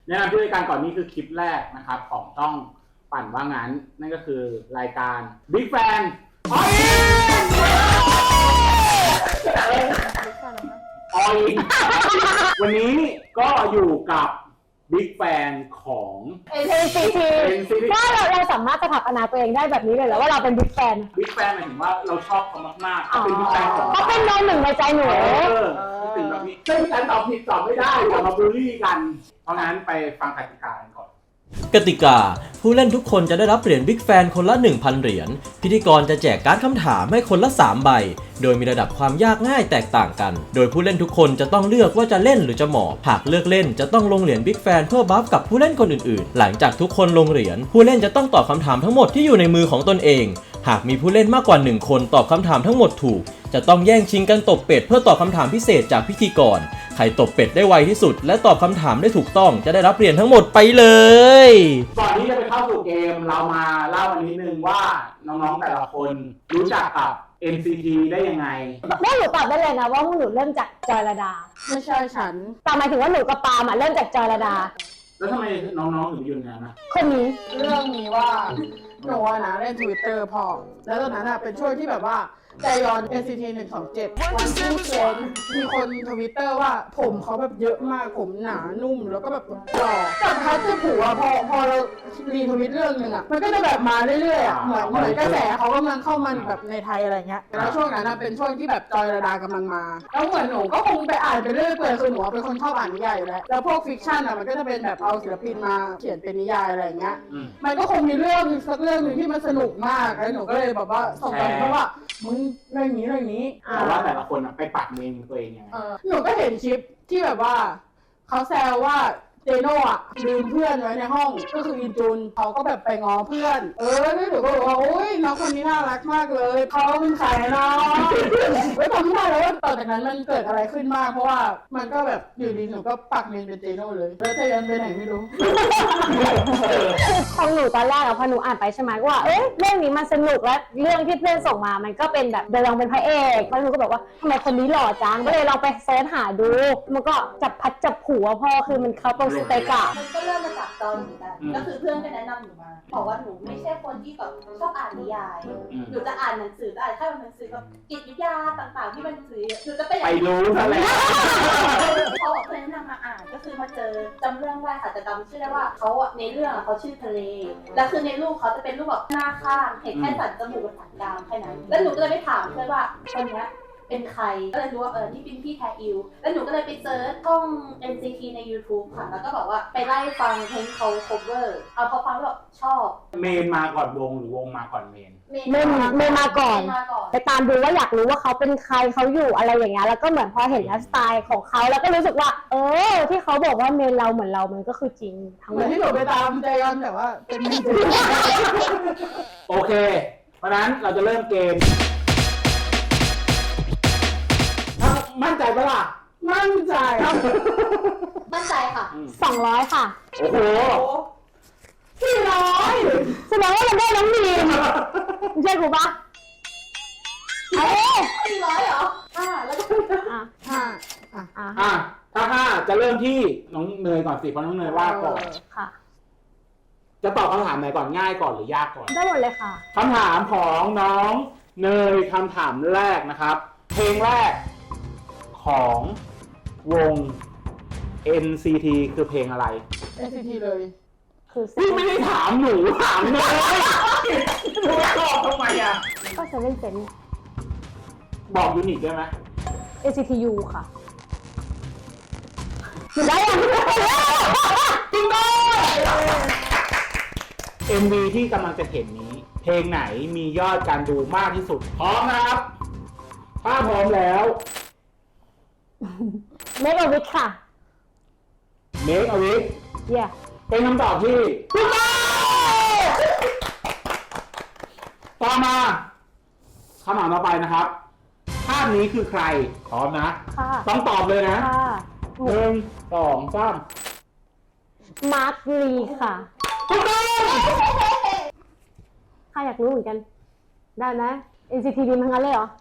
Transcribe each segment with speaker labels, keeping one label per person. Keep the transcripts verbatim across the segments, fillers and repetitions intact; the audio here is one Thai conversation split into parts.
Speaker 1: แนะนำที่รายการก่อนนี้คือคลิปแรกนะครับของช่องปั่นว่างั้นนั่นก็คือรายการ Big Fan ออยออยวันนี้ก็อยู่กับ Big Fan ของ
Speaker 2: เอ็น ซี ที ว่าเราเราสามารถสถาปนาตัวเองได้แบบนี้เลยเหรอว่าเราเป็น Big Fan
Speaker 1: Big Fan หมายถึงว่าเราชอบเขามากๆเขาเป็น Big Fan ของ
Speaker 2: เขาเป็นโนหนึ่งในใจหนู
Speaker 1: ถึงแบบนี้ซึ่งการตอบผิดตอบไม่ได้อย่ามาบูลลี่กันเพราะงั้นไปฟังกติกากันก่อน
Speaker 3: กติกาผู้เล่นทุกคนจะได้รับเหรียญ Big Fan คนละ หนึ่งพัน เหรียญพิธีกรจะแจกการ์ดคำถามให้คนละสามใบโดยมีระดับความยากง่ายแตกต่างกันโดยผู้เล่นทุกคนจะต้องเลือกว่าจะเล่นหรือจะหมอบหากเลือกเล่นจะต้องลงเหรียญ Big Fan เพื่อบัฟกับผู้เล่นคนอื่นๆหลังจากทุกคนลงเหรียญผู้เล่นจะต้องตอบคำถามทั้งหมดที่อยู่ในมือของตนเองหากมีผู้เล่นมากกว่าหนึ่งคนตอบคำถามทั้งหมดถูกจะต้องแย่งชิงกันตบเป็ดเพื่อตอบคำถามพิเศษจากพิธีกรใครตบเป็ดได้ไวที่สุดและตอบคำถามได้ถูกต้องจะได้รับเหรียญทั้งหมดไปเลย
Speaker 1: ก่อนที่จะไปเข้าสู่เกมเรามาเล่ากันนิดนึงว่าน้องๆแต่ละคนรู้จักกับ เอ็น ซี ที ได้ยังไง
Speaker 2: แม่หนูตอบได้เลยนะว่าหนูเริ่มจากจอยระดา
Speaker 4: ไม่ใช่ฉัน
Speaker 2: แต่หมายถึงว่าหนูกับปาล์มเริ่มจากจอยระดา
Speaker 1: แล้วทำไมน้องๆถึงยืนยันนะ
Speaker 2: คนนี้
Speaker 4: เรื่องนี้ว่าหนูนะเล่น Twitter พอแล้วตอนนั้นเป็นช่วงที่แบบว่าใจยอน เอ็น ซี ที หนึ่งสองเจ็ดวันที่เซ็นมีคนทวิตเตอร์ว่าผมเขาแบบเยอะมากผมหนานุ่มแล้วก็แบบหล่อแต่ท้ายที่ผัวพอพอเรารีทวิตเรื่องนึงอ่ะมันก็จะแบบมาเรื่อยๆอ่ะเหมือนเหมือนกระแสเขากำลังเข้ามาแบบในไทยอะไรเงี้ยแล้วช่วงนั้นเป็นช่วงที่แบบจอยระดากำลังมาแล้วเหมือนหนูก็คงไปอ่านไปเรื่อยเปื่อยคือหนูเป็นคนชอบอ่านนิยายอยู่แล้วแล้วพวกฟิกชันอ่ะมันก็จะเป็นแบบเอาศิลปินมาเขียนเป็นนิยายอะไรเงี้ยมันก็คงมีเรื่องสักเรื่องนึงที่มันสนุกมากแล้วหนูก็เลยแบบว่าส่งไปเพราะว่ามึงเรื่องนี้เรื่องนี้
Speaker 1: แต่ว่าแต่ละคนไปปัดเมนตัวเองยังไง
Speaker 4: หนูก็เห็นคลิปที่แบบว่าเขาแซวว่าเจโน่อะลืมเพื่อนไว้ในห้องก็คืออินจูนเขาก็แบบไปง้อเพื่อนเออแล้วหนูก็บอกว่าโอ๊ยน้องคนนี้น่ารักมากเลยเขาเป็นใครเนาะไม่ทำไม่ได้แล้วว่าต่อจากนั้นมันเกิดอะไรขึ้นมากเพราะว่ามันก็แบบอยู่ดีหนูก็ปักเมนเป็นเจโน่เลยแล้วเจยันไปไหนไม่รู้
Speaker 2: ของหนูตอนแรกอะพอหนูอ่านไปใช่ไหมว่าเอ๊ะเรื่องนี้มันสนุกและเรื่องที่เพื่อนส่งมามันก็เป็นแบบเดลองเป็นพระเอกแล้วหนูก็แบบว่าทำไมคนนี้หล่อจังก็เลยลองไปเซิร์ชหาดูมันก็จับพัดจับผูว่าพ่อคือมันเขาตรงสเต็กอะ
Speaker 5: มันก็เริ่มมาจากตอนหนูกันก็คือเพื่อนก็แนะนำหนูมาบอกว่าหนูไม่ใช่คนที่แบบชอบอ่านนิยายหนูจะอ่านหนังสือจะอ่านแค่หนังสือแบบจิตวิทยาต่างๆที่มันซื้อหนูจะไป
Speaker 1: ไปรู้ซะแล้ว
Speaker 5: เขาบอกเพื่อนแนะนำมาอ่านก็คือมาเจอจำเรื่องได้ค่ะจะจำชื่อได้ว่าเขาอะในเรื่องเขาชื่อทะเลแล้วคือในรูปเขาจะเป็นรูปแบบหน้าข้างเห็นแค่สันจมูกกับสันดามแค่นั้นแล้วหนูก็เลยไปถามเพื่อนว่าคนนี้เป็นใครก็เลยรู้ว่าเออนี่เป็นพี่แทอิวแล้วหนูก็เลยไปเซิร์ชช่อง เอ็น ซี ที ใน YouTube ค่ะแล้วก็บอกว่าไปไล่ฟังเพลงเขา cover เอาพอฟังแล้วแบบชอบ
Speaker 1: เมนมาก่อนวงหรือวงมาก่อนเมน
Speaker 2: เมนเมนมาก่อนไปตามดูว่าอยากรู้ว่าเขาเป็นใครเขาอยู่อะไรอย่างเงี้ยแล้วก็เหมือนพอเห็นไลฟ์สไตล์ของเขาแล้วก็รู้สึกว่าเออที่เขาบอกว่าเมนเราเหมือนเรามันก็คือจริง
Speaker 4: ทั้งหมดที่หนูไปตามใจยอนแต่ว่าเป็นเมน
Speaker 1: โอเคเพราะนั้นเราจะเริ่มเกมมั่นใจปะล่ะ
Speaker 4: มั่นใจ
Speaker 5: มั่นใจค่ะ
Speaker 2: สองร้อยค่ะ
Speaker 1: โอ้โห
Speaker 4: สี่ร้อย
Speaker 2: แสดงว่ามันได้น้องมีนใช่กูปะเอ๊ะ
Speaker 5: สี่ร้อยเหรอห้าแล้วก็
Speaker 4: อ่ะห้า
Speaker 1: อ่ะอ่ะถ้าห้าจะเริ่มที่น้องเนยก่อนสิเพราะน้องเนยว่าก่อน
Speaker 2: ค่ะ
Speaker 1: จะตอบคำถามไหนก่อนง่ายก่อนหรือยากก่อน
Speaker 2: ได้หมดเลยค่ะ
Speaker 1: คำถามของน้องเนยคำถามแรกนะครับเพลงแรกของวง เอ็น ซี ที คือเพลงอะไร
Speaker 4: เอ็น ซี ที เลย
Speaker 2: คือ
Speaker 1: พี่ไม่ได้ถามหนูถามเนยหนูตอบทำไมอ่ะ
Speaker 2: ก็เซเว่นเซน
Speaker 1: บอกยูนิตได้ไหม
Speaker 2: เอ ซี ที ยู ค่ะหนูได้ยัง
Speaker 1: จริงด้วย เอ็ม วี ที่กำลังจะเห็นนี้เพลงไหนมียอดการดูมากที่สุดพร้อมนะครับถ้าพร้อมแล้ว
Speaker 2: Make a Wish ค่ะ
Speaker 1: Make a Wish
Speaker 2: เย้
Speaker 1: เป็นคำตอบที่ถูกต้องต่อมาคำถามต่อไปนะครับภาพนี้คือใครพร้อมนะต้องตอบเลยนะหนึ่งสองสาม
Speaker 2: มาร์คลีค่ะ
Speaker 1: ถูกต้อง
Speaker 2: ใครอยากรู้เหมือนกันได้ไหม เอ็น ซี ที ดีมทั้งนั้นเลยเหรอ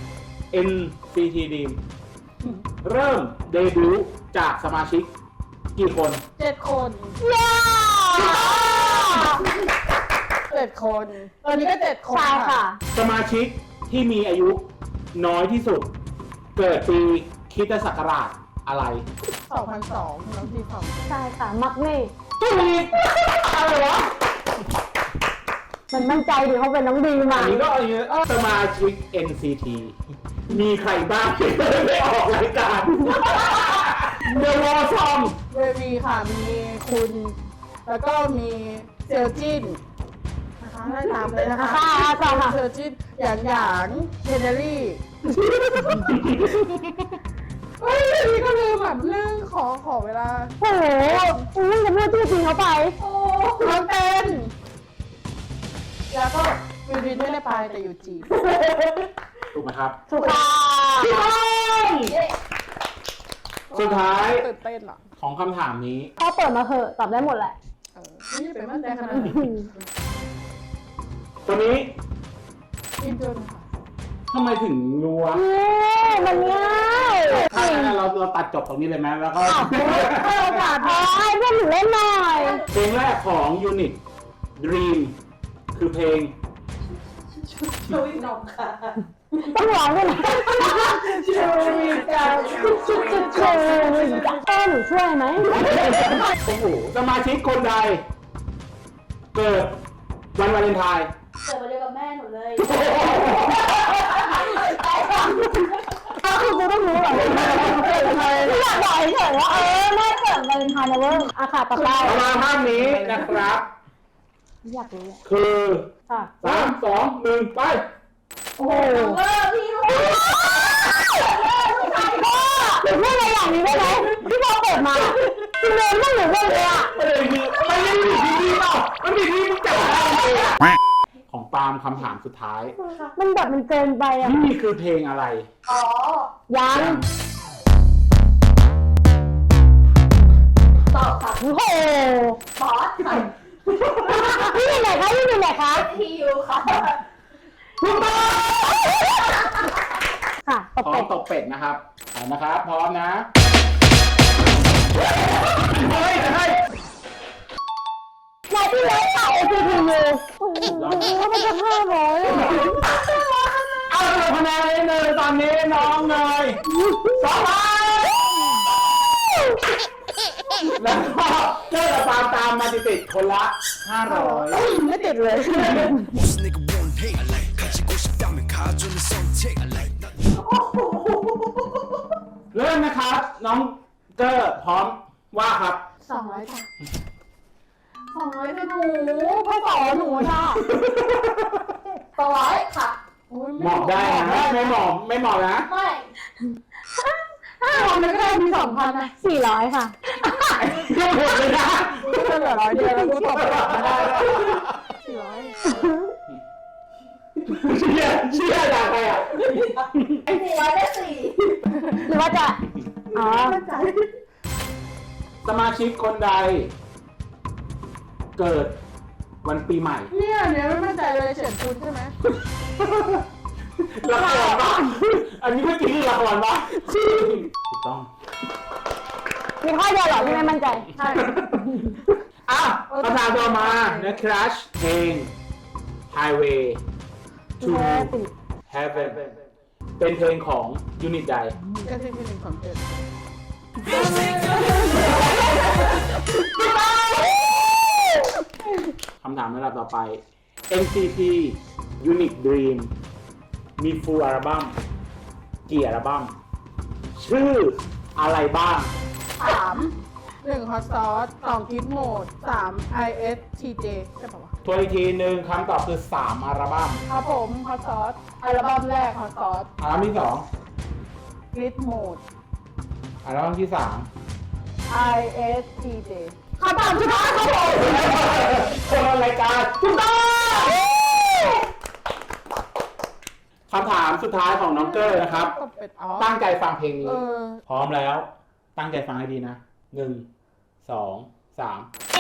Speaker 1: เอ็น ซี ที ดีมเริ่มเดบิวต์จากสมาชิกกี่คน
Speaker 4: เจ็ดคน
Speaker 2: เย้
Speaker 4: เจ็ดคน ตอนนี้ก็เจ็ดคน
Speaker 2: ใช่ค่ะ
Speaker 1: สมาชิกที่มีอายุน้อยที่สุด เกิดปีคริสตศักราชอะไร
Speaker 4: สองพันสองน้องทีสอง
Speaker 2: ใช่ค่ะ มักนี่
Speaker 1: ถูกอะไรวะ
Speaker 2: มันมั่นใจดิเขาเป็นน้องดีมา
Speaker 1: อันนี้ก็อันนี้สมาชิก เอ็น ซี ที มีใครบ้างที่ไม่ออกรายการ The Wall Song
Speaker 4: เววีค่ะ มีคุณ แล้วก็มีเซลจินนะคะไล่ตามเลยนะคะ
Speaker 2: ค่ะค่ะค่ะ
Speaker 4: เซลจินหยางหยางเฮนเนอรี่เฮ้ยนี่ก็ลืมแบบเรื่องขอขอเวลา
Speaker 2: โอ้โหอุ้ยจะพูดชื่อจริงเขาไป
Speaker 4: โอ้น้องเต้นแล้วก็วินวินไม่ได้ไปแต่อยู่จีน
Speaker 1: ถูกไหมครับ
Speaker 2: ถูกค่ะ
Speaker 1: สุดท้าย
Speaker 4: ตื่นเต้นอ่ะ
Speaker 1: ของคำถามนี้
Speaker 2: เขาเปิดมาเหอะตอบได้หมดแหละ
Speaker 4: เออนี่เป็นมั่นใจขนาดนี้
Speaker 1: ตัวนี้
Speaker 4: อินโดนค่ะ
Speaker 1: ทำไมถึงรู้วะ
Speaker 2: เย้มันง่าย
Speaker 1: ถ้างั้นเราเราตัดจบตรงนี้เลยไหมแล้วก็
Speaker 2: ให้โอกาสพอให้เพื่อนหนูเล่นหน่อย
Speaker 1: เพลงแรกของ Unit Dream คือเพลง
Speaker 5: ช่วยนมค่ะ
Speaker 2: ต้องร้องด้วยนะช่วยกันช่วยกันช่วยกันเออหนูช่วยไหม
Speaker 1: โอ้โหสมาชิกคนใด เกิดวันวาเลนไทน์
Speaker 5: เกิดมาเดียวกับแม่หนูเลย
Speaker 2: อ้าวคือกูต้องรู้เหรอเกิดอะไรไม่อยากบอกเฉยๆว่าเออแม่เกิดวาเลนไทน์นะเว้ยอาค่ะต่อไป
Speaker 1: ประมาณภาพนี้นะครับ
Speaker 2: อยากรู้อะ
Speaker 1: คือ
Speaker 2: ค่ะ
Speaker 1: สามสองหนึ่งไป
Speaker 2: โอ้โห
Speaker 5: เออพี่ลูก
Speaker 2: หนูพูดอะไรอย่างนี้ได้ไหมที่พอเปิดมาคือเมนต้องหนูเล่นเลยอ่ะ
Speaker 1: ประเด็นคือมันไม่ได้อยู่ที่นี่เปล่ามันอยู่ที่มึงจับได้เลยอะของปาล์มคำถามสุดท้าย
Speaker 2: มันแบบมันเกินไปอ่ะ
Speaker 1: นี่คือเพลงอะไร
Speaker 5: อ๋อ
Speaker 2: ยัง
Speaker 5: ตอบค่ะ
Speaker 2: โอ้โห
Speaker 5: บอสค่ะ
Speaker 2: นี่อยู่ไหนคะนี่อยู่ไหนคะ
Speaker 5: ทียูค่ะ
Speaker 2: ค่ะตบ
Speaker 1: พร้อ
Speaker 2: เป็
Speaker 1: ม
Speaker 2: ด
Speaker 1: ตกเป็ดนะครับเอานะครับ พร้อมนะเฮ้ยเฮ้ย
Speaker 2: นายที่เล่นค่ะเอฟพียูโอ้โหมันจะห้าร้อย
Speaker 1: เอาเลยคะแนนเลยเลยตอนนี้น้องเนยสองพันแล้วก็เจอกับปาล์มตามมาติดๆคนละห้าร้อย
Speaker 4: ไม่ติดเลย
Speaker 6: 무슨 내가 원해 가지고 싶다면 가져는 선택 that
Speaker 1: เริ่มนะครับ น้องเกอร์พร้อมว่าครับ
Speaker 4: สองร้อยจ้ะสองร้อยจ้ะหนูพ่อสอนหนูจ้ะ
Speaker 5: สองร้อยค่ะ
Speaker 4: โอ้ย
Speaker 1: หมอบได้นะไม่หมอบไม่หมอบนะ
Speaker 5: ไม่
Speaker 4: ห้าพันมันก็ได้มีสองพันนะ
Speaker 2: สี่ร้อยค่ะ
Speaker 1: เรื่องหมดเลยนะ
Speaker 4: กูจะเหลือร้อยเดียวแล้วกูตอบกลับมาได้สี่ร้อย
Speaker 1: เชื่อเชื่อจากใครอ่ะ
Speaker 5: สี่ร้อยได้สี่
Speaker 2: หรือว่าจะ อ๋อ
Speaker 1: สมาชิกคนใด เกิดวันปีใหม่
Speaker 4: เนี่ยเนี่ยไม่มั่นใจเลยเฉียนคุณใช่ไหม
Speaker 1: ละครปะอันนี้เมื่อกี้คือละครปะถูกต้อง
Speaker 2: มีข้อเดียวเหรอที่ไม่มั่นใจ
Speaker 4: ใช่
Speaker 1: อ่ะคำถามต่อมานะครับเพลง Highway to Heaven เป็นเพลงของยูนิตใด
Speaker 4: เอสซีพีหนึ่งสองเจ็ด
Speaker 1: คำถามในระดับต่อไป เอ็น ซี ที Unit Dream มี full อัลบั้มกี่อัลบั้มชื่ออะไรบ้าง
Speaker 4: สามหนึ่งฮอตซอสสองกิฟต์โหมดสาม ไอ เอส ที เจ ใช่ปะวะ
Speaker 1: ตัวอีกทีหนึ่งคำตอบคือสามอัลบั้ม
Speaker 4: ครับผมฮอตซอสอัลบั้มแรกฮอตซอส
Speaker 1: อัลบั้มที่สอง
Speaker 4: กริดโหมด
Speaker 1: อัลบั้มที่สาม
Speaker 4: ไอ เอส ที เจ
Speaker 2: คำตอบสุดท้ายครับผม
Speaker 1: คนละรายการถูกต้องคำถามสุดท้ายของน้องเกอร์นะครับ
Speaker 4: ก็เป็นอ๋อ
Speaker 1: ตั้งใจฟังเพลง
Speaker 4: เอ
Speaker 1: นี้
Speaker 4: อ
Speaker 1: พร้อมแล้ว ตั้งใจฟังให้ดีนะ หนึ่ง สอง สาม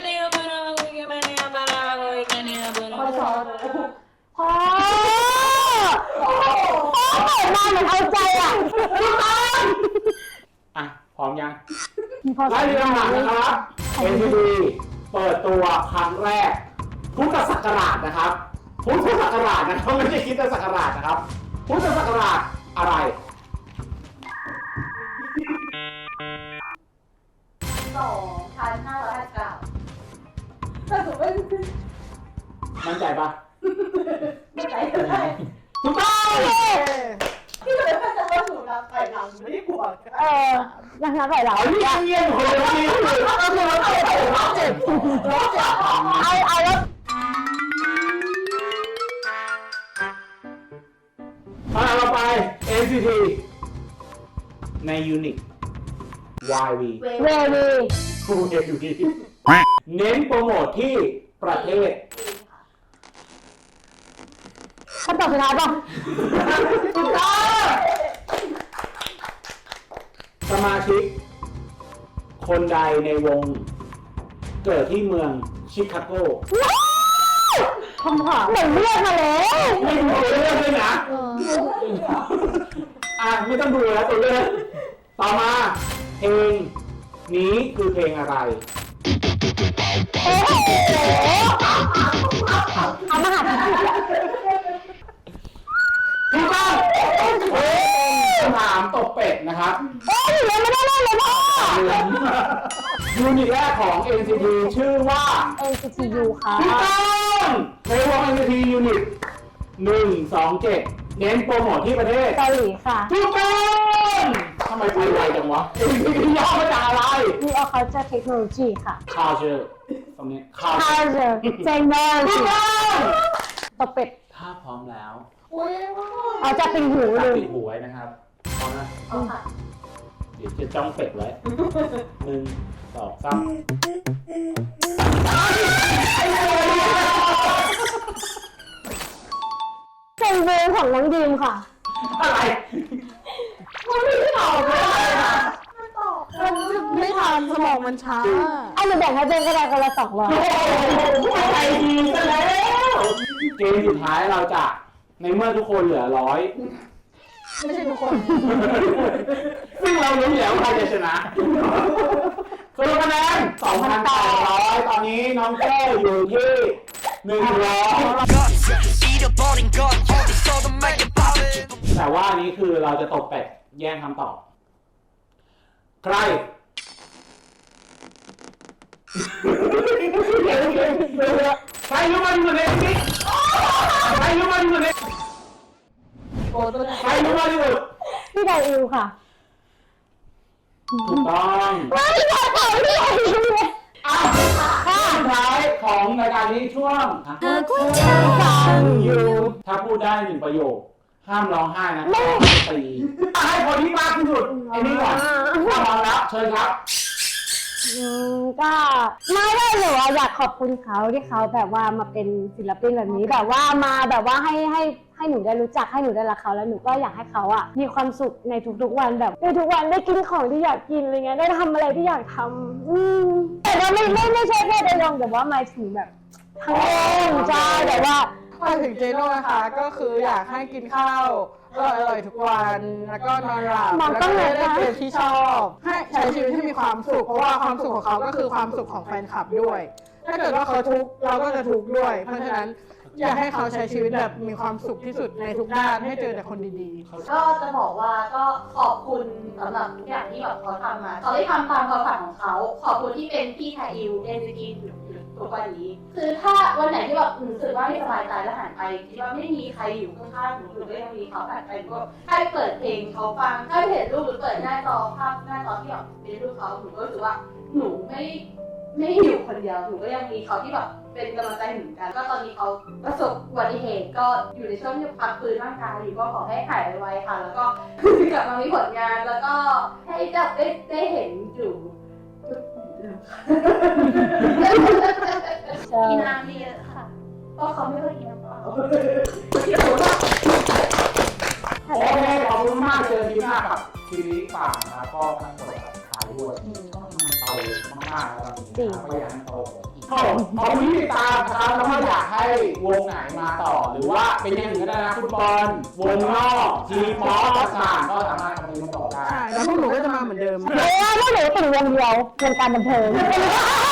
Speaker 4: ฮอตซอส
Speaker 2: พ่อพ่อเปิดมาเหมือนเอาใจอ่ะพี่ต้น
Speaker 1: อ่ะ พร้อมยัง
Speaker 2: มีพอ
Speaker 1: ไล่เรียงลำดับนะครับ เอ็น ซี ที เปิดตัวครั้งแรกพุทธศักราชนะครับพุทธศักราชนะครับไม่ใช่คริสตศักราชนะครับพุทธศักราชอะไร
Speaker 5: สองพันห้าร้อยห้าสิบเก้าแต่ถูกไม่
Speaker 1: มั่นใจปะ
Speaker 5: ไม่ใจเลย
Speaker 1: ถูกต้อง
Speaker 5: ที่เหลือก็จะว่าถูกนะไปหลังไม่ได้บวก
Speaker 2: เออยังนับไหลหลัง
Speaker 1: เอาที่เงียบคนเดียวนี่คือก็คือเราเจ็บเราเจ็บเราเจ็บ
Speaker 2: เอาเอาแล้ว
Speaker 1: มาเราไป เอ็น ซี ที ในยูนิต วาย วี
Speaker 5: เว
Speaker 2: เววี
Speaker 1: ฟูเอลวีเน้นโปรโมทที่ประเทศ
Speaker 2: คำตอบสุดท้ายป่ะ
Speaker 1: ถูกต้องสมาชิก คนใดในวง เกิดที่เมืองชิคาโก
Speaker 2: คำถามเหมือนเลือกมาแล้ว
Speaker 1: ไม่ดูตัวเลือกด้วยนะ อ่ะ ไม่ต้องดูแล้วตัวเลือกต่อมา เพลงนี้คือเพลงอะไร
Speaker 2: โอ้โหเอามาหาพี่ผิดอะ
Speaker 1: ถูกต้องเฮ้ยคำถามตบเป็ดนะครับ
Speaker 2: เอ้ยยังไม่ได้เล่นเลยพ่อ
Speaker 1: ยูนิตแรกของ เอ็น ซี ที ชื่อว่า
Speaker 2: เอ็น ซี ที ยู ค่ะ
Speaker 1: ถูกต้องในวง เอ็น ซี ที ยูนิตหนึ่งสองเจ็ดเน้นโปรโมทที่ประเทศ
Speaker 2: เกาหลีค่ะ
Speaker 1: ถูกต้องทำไมไปไวจังวะ เอ็น ซี ที ย่อมาจากอะไร
Speaker 2: มีออคัลเจอร์เทคโนโลยีค่ะ
Speaker 1: culture ตรงนี้ culture
Speaker 2: culture เจนเนอร์
Speaker 1: ถูกต้อง
Speaker 2: ตบเป็ด
Speaker 1: ถ้าพร้อมแล้ว
Speaker 4: อุ้ย
Speaker 2: เอาจะเป็นหู
Speaker 1: ตั
Speaker 2: เล
Speaker 1: ด
Speaker 2: ย
Speaker 1: ปิดหูไว้นะครับพร้อมนะ
Speaker 5: เอาค่ะ
Speaker 1: เดี๋ยวจะจ้องเป็ดไว้หนึ่งสองสาม
Speaker 2: เป็นเวรของน้องดีมค่ะ
Speaker 1: อะไร
Speaker 4: มันไม่ตอบเลยอะ
Speaker 5: มันตอบ
Speaker 4: มันไม่ทันสมองมันช้า
Speaker 2: เอาหนูแบ่งให้เจนก็ได้คนละสองร้อย
Speaker 1: โอ้โหอะไรดีซะแล้ว เกมสุดท้ายเราจะ ในเมื่อทุกคนเหลือร้อย
Speaker 4: ไม่ใช่ทุกคน
Speaker 1: ซึ่งเรารู้อยู่แล้วว่าใครจะชนะสรุปคะแนนสองพันแปดร้อยตอนนี้น้องเจ้อยู่ที่หนึ่งร้อย
Speaker 6: 잃어버린 건 어디서든 말게 바래
Speaker 1: แต่ว่าอันนี้คือเราจะตบเป็ดแย่งคำตอบ ใคร ใครรู้มาที่สุดในนี้ใครรู้มาที่สุดใน
Speaker 4: โอ้ตัวไหน
Speaker 1: ใครรู้มาที่สุด
Speaker 2: พี่ไดอิวค่ะ
Speaker 1: ถูกต้อง
Speaker 2: ไม่ใช่ค่ะพี่ไดอิวเลย
Speaker 1: อ่ะข้อสุดท้ายของรายการนี้ช่วง อยู่ถ้าพูดได้หนึ่งประโยค ห้ามร้องไห้นะตีให้คนที่มากที่สุดไอ้นี่ก่อนถ้าพร้อมแล้วเชิญครับ
Speaker 2: อืมก็ไม่ได้หนูอะอยากขอบคุณเขาที่เขาแบบว่ามาเป็นศิลปินแบบนี้แบบว่ามาแบบว่าให้ให้ให้หนูได้รู้จักให้หนูได้รักเขาแล้วหนูก็อยากให้เขาอ่ะมีความสุขในทุกๆวันแบบในทุกวันได้กินของที่อยากกินอะไรเงี้ยได้ทำอะไรที่อยากทำอืมแต่ว่าไม่ไม่ไม่ใช่แค่ได้ลองแต่ว่าหมายถึงแบบทั้งวงใช่แต่ว่า
Speaker 4: มาถึงเจโน่นะคะ ก็คืออยากให้กินข้าวอร่อยๆทุกวัน แล้วก็นอนหลับ
Speaker 2: มอง
Speaker 4: แล้ว
Speaker 2: ต้
Speaker 4: ก็
Speaker 2: องไหน
Speaker 4: ได้
Speaker 2: คะ
Speaker 4: เล่นเกมที่ชอบ ให้ใช้ชีวิตให้มีความสุข เพราะว่าความสุขของเขาก็คือความสุขของแฟนคลับด้วย ถ้าเกิดว่าเขาทุกข์เราก็จะทุกข์ด้วย เพราะฉะนั้นอยากให้เขาใช้ชีวิตแบบมีความสุขที่สุดในทุกด้าน ให้เจอแต่คนดีๆ
Speaker 5: ก็จะบอกว่าก็ขอบคุณสำหรับทุกอย่างที่แบบเขาทำมาเขาได้ทำตามความฝันของเขาขอบคุณที่เป็นพี่ไทอิวเอ็นซีทีทุกวันนี้ คือถ้าวันไหนที่แบบรู้สึกว่าไม่สบายใจแล้วหันไปคิดว่าไม่มีใครอยู่ข้างๆหนูหรือก็ยังมีเขาหันไปก็ให้เปิดเพลงเขาฟังให้เห็นรูปหรือเปิดหน้าจอภาพหน้าจอที่แบบเป็นรูปเขาหนูก็รู้สึกว่าหนูไม่ไม่อยู่คนเดียวหนูก็ยังมีเขาที่แบบเป็นกำลังใจเหมือนกันก็ตอนนี้เขาประสบอุบัติเหตุก็อยู่ในช่วงที่พักฟื้นร่างกายอยู่ก็ขอให้หายไวๆค่ะ แล้วก็ กลับมามีผลงานแล้วก็ให้จับได้ได้เห็นอยู่กินน้ำเยอะค่ะเพราะเขาไม่ค่อยกินน้ำเปล่า
Speaker 1: โอเคขอบคุณมากเจอที่หน้ากับทีวีป่านะครับก็ทั้งหมดขายด้วยเอามากๆแล้ว
Speaker 2: จริง
Speaker 1: ก็อยากให้โตขอบขอบคุณที่ติดตามนะครับแล้วก็อยากให้วงไหนมาต่อ หรือว่าเป็นอย่างอื่นก็ได้นะฟุตบอลวงนอกทีมป๊อปต่างๆก็สามารถคอมเมนต์มาต่อได้
Speaker 4: ใช่แล้วพวกหนูก็จะมาเหมือนเดิม
Speaker 2: เพราะว่าพวกหนูติ่งวงเดียววงการบันเทิง